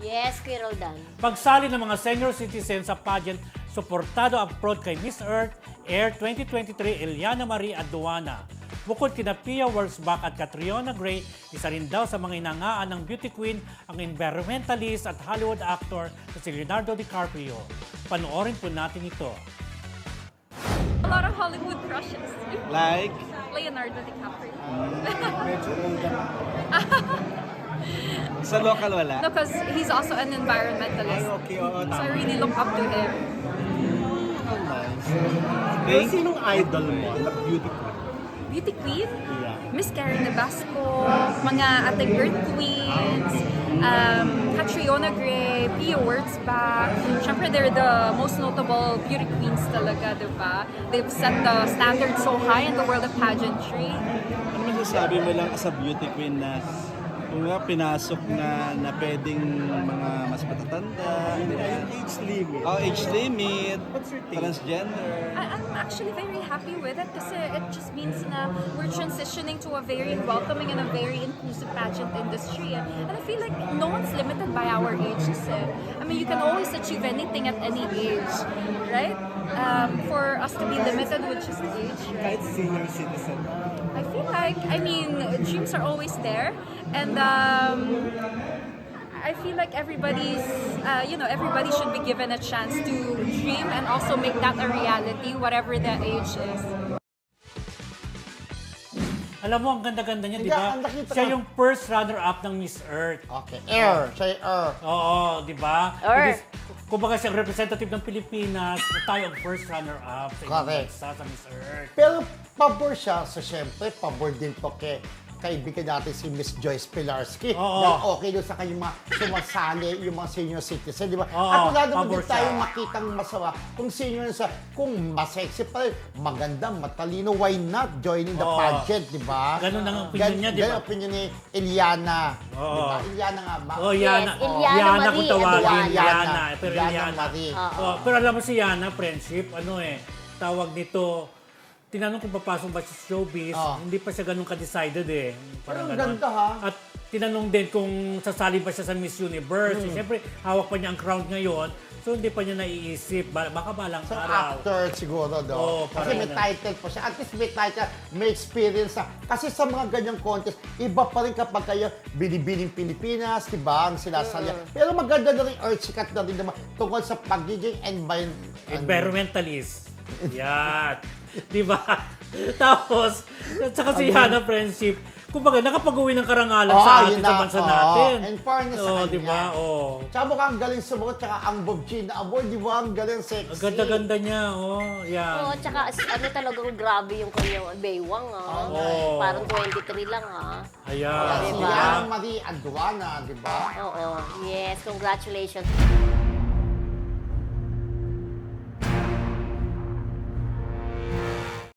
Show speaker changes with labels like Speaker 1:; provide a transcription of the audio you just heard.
Speaker 1: Yes, Kuya Roldan.
Speaker 2: Pagsali ng mga senior citizens sa pageant, suportado ang prod kay Miss Earth Air 2023 Eliana Marie Aduana. Bukod kina Pia Wurzbach at Catriona Gray, isa rin daw sa mga inangaan ng beauty queen ang environmentalist at Hollywood actor na si Leonardo DiCaprio. Panoorin po natin ito.
Speaker 3: A lot of Hollywood crushes.
Speaker 4: Like?
Speaker 3: Leonardo DiCaprio.
Speaker 4: Medyo old na. Sa local wala?
Speaker 3: No, because he's also an environmentalist.
Speaker 4: Ay, okay, oo,
Speaker 3: So I
Speaker 4: tama.
Speaker 3: really look up to him.
Speaker 4: Oh, nice. Pero sinong idol mo na beauty queen?
Speaker 3: Beauty queen?
Speaker 4: Yeah.
Speaker 3: Miss Karen Nabasco, mga ating Earth Queens, Catriona Gray, Pia Wurzbach. Siyempre, they're the most notable beauty queens talaga, di ba? They've set the standard so high in the world of pageantry.
Speaker 4: Ano masasabi mo lang as a beauty queen na kung nga pinasok na pwedeng mga mas matatanda? Age limit. Oh, age limit. What's your take? Transgender.
Speaker 3: I'm actually very happy with it kasi it just means na we're transitioning to a very welcoming and a very inclusive pageant industry. And I feel like no one's limited by our ages. I mean, you can always achieve anything at any age, right? For us to be limited with just age, right?
Speaker 4: Kahit senior citizen.
Speaker 3: I feel like, I mean, dreams are always there. And I feel like everybody should be given a chance to dream and also make that a reality, whatever the age is.
Speaker 2: Alam mo, ang ganda-ganda niya, di
Speaker 5: Hindi,
Speaker 2: ba?
Speaker 5: ang nakita
Speaker 2: Siya
Speaker 5: ko-
Speaker 2: yung first runner-up ng Miss Earth.
Speaker 5: Okay, Air. Siya yung Air.
Speaker 2: Oo, di ba?
Speaker 1: Earth.
Speaker 2: Kumbaga siyang representative ng Pilipinas, tayo ang first runner-up sa ibang
Speaker 5: Correct.
Speaker 2: bansa sa Miss Earth.
Speaker 5: Pero pabor siya. So, syempre, pabor din to kay kaibigan natin si Miss Joyce Pilarski.
Speaker 2: Oo.
Speaker 5: Dahil okay doon sa kanyang mga sumasali, yung mga senior citizen, di ba?
Speaker 2: Oo,
Speaker 5: At wala naman
Speaker 2: pabor
Speaker 5: din tayo
Speaker 2: siya.
Speaker 5: makitang masama kung senior sa, kung masexy pa rin, maganda, matalino, why not joining the
Speaker 2: Oo.
Speaker 5: pageant, di ba?
Speaker 2: Ganun ang opinion niya, di ba?
Speaker 5: Ganun ang opinion ni Eliana.
Speaker 2: Oo.
Speaker 5: Di ba? Eliana nga ba?
Speaker 2: Oh, Yana.
Speaker 1: Yes, Eliana
Speaker 2: Yana
Speaker 1: Marie
Speaker 2: kung tawagin.
Speaker 1: Aduana.
Speaker 2: Yana. Pero
Speaker 5: Eliana
Speaker 2: Eliana.
Speaker 5: Marie.
Speaker 2: Oh, pero alam mo si Yana, friendship, tawag nito, tinanong kung papasok ba sa showbiz, hindi pa siya ganun ka-decided eh. Parang
Speaker 5: Pero ang
Speaker 2: ganun.
Speaker 5: ganda, ha?
Speaker 2: At tinanong din kung sasali ba siya sa Miss Universe. Siyempre, hawak pa niya ang crown ngayon, so hindi pa niya naiisip. Baka balang
Speaker 5: Sa
Speaker 2: araw.
Speaker 5: actor siguro, do.
Speaker 2: Oo,
Speaker 5: Kasi
Speaker 2: parang
Speaker 5: may
Speaker 2: ganun.
Speaker 5: title pa siya. At least may title, may experience na. Kasi sa mga ganyang contest, iba pa rin kapag kayo binibining Pilipinas, di ba? Ang sinasali. Pero maganda na rin, or sikat na rin naman, tungkol sa pagiging
Speaker 2: Environmentalist. Yan. Di ba? Tapos, at saka si Yana friendship, kumbaga nakapag-uwi ng karangalan sa atin,
Speaker 5: yun
Speaker 2: sa
Speaker 5: na.
Speaker 2: bansa
Speaker 5: Oo.
Speaker 2: natin.
Speaker 5: And fairness sa kanya.
Speaker 2: Di ba? Oo.
Speaker 5: Tsaka mukhang galing sumagot, tsaka ang Bob Gina Award, di ba? Ang galing sexy.
Speaker 2: Ang ganda-ganda niya, yan.
Speaker 1: Oo, tsaka talagang grabe yung kanyang baywang,
Speaker 2: Oo.
Speaker 1: Parang 23 lang,
Speaker 2: Ayan.
Speaker 5: Si
Speaker 1: Diba?
Speaker 5: Eliana Marie Aduana, di ba?
Speaker 1: Oo. Yes, congratulations.